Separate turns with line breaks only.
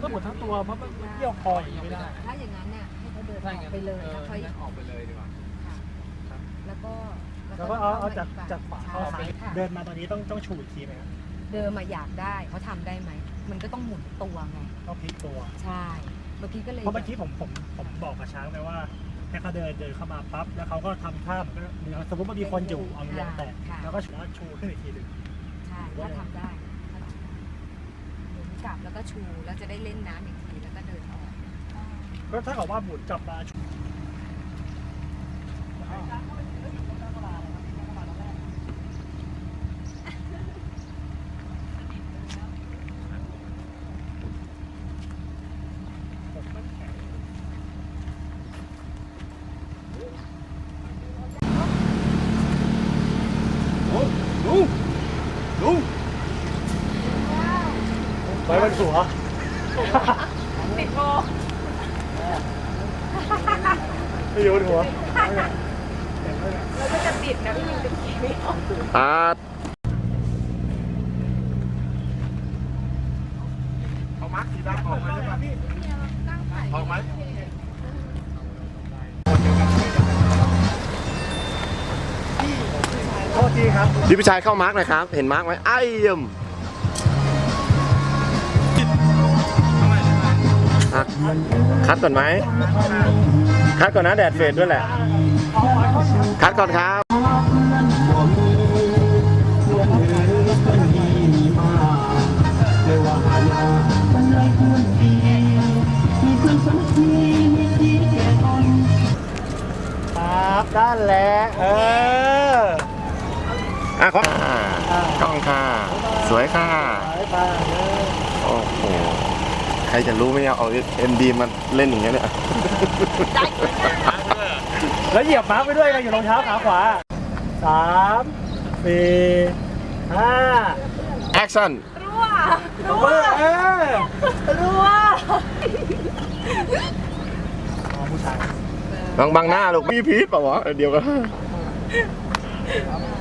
หมดทั้งตัวเพราะมันเกี่ยวคออย่างนี้ไม่ได้
ถ้าอย่างนั้นเนี่ยให้เขาเดินออกไปเลยแล้วค่อย
ออกไปเลยดีกว่า
แล้วก็
เอาจากขวาเข้าซ้ายเดินมาตอนนี้ต้องชูอีกทีไหมครับ
เดินมาอยากได้เขาทำได้ไหมมันก็ต้องหมุนตัวไง
ต้องพลิกตัว
ใช่เมื่อกี้ก็เลย
เพราะเมื่อกี้ผมบอกกับช้างไปว่าให้เขาเดินเข้ามาปั๊บแล้วเขาก็ทำท่าเหมือนก็สมมติว่ามีคนอยู่เอายางแตะแล้วก็ชูขึ้นอีกทีหนึ่ง
ใช่ถ้าทำได้หมุนกลับแล้วก็ชูแล้วจะได้เล่นน้ำอีกทีแล้วก็เดินออก
ก็ถ้าเกิดว่าหมุนกลับมาชูลุงไปบนหัว
ติดโบ
ไม่อยู่บนหัว
แล้วก็จะติดนะพี่ยิงจะขี่ไม่ออก
เอามาร์คสีดำออกมาใช่ไหมออกไหม
โทษทีครับ
พี่พิชัยเข้ามาร์กหน่อยครับเห็นมาร์กไหมไอ้ยมคัดก่อนไหมคัดก่อนนะแดดเฟดด้วยแหละคัดก่อนครับ
ครับด้านแหละ
ครับกล้องค่ะสวยค่ะโอ้โหใครจะรู้ไหมเอาเอ็มดีมาเล่นอย่างเงี้ยเนี่ย
แล้วเหยียบมาร์กไปด้วยนะอยู่รองเท้าขาขวา3 4 5
แอคชั่น
รัว
ผู้ชาย
บังหน้าลูกมีพีทเปล่าวะเดียวกัน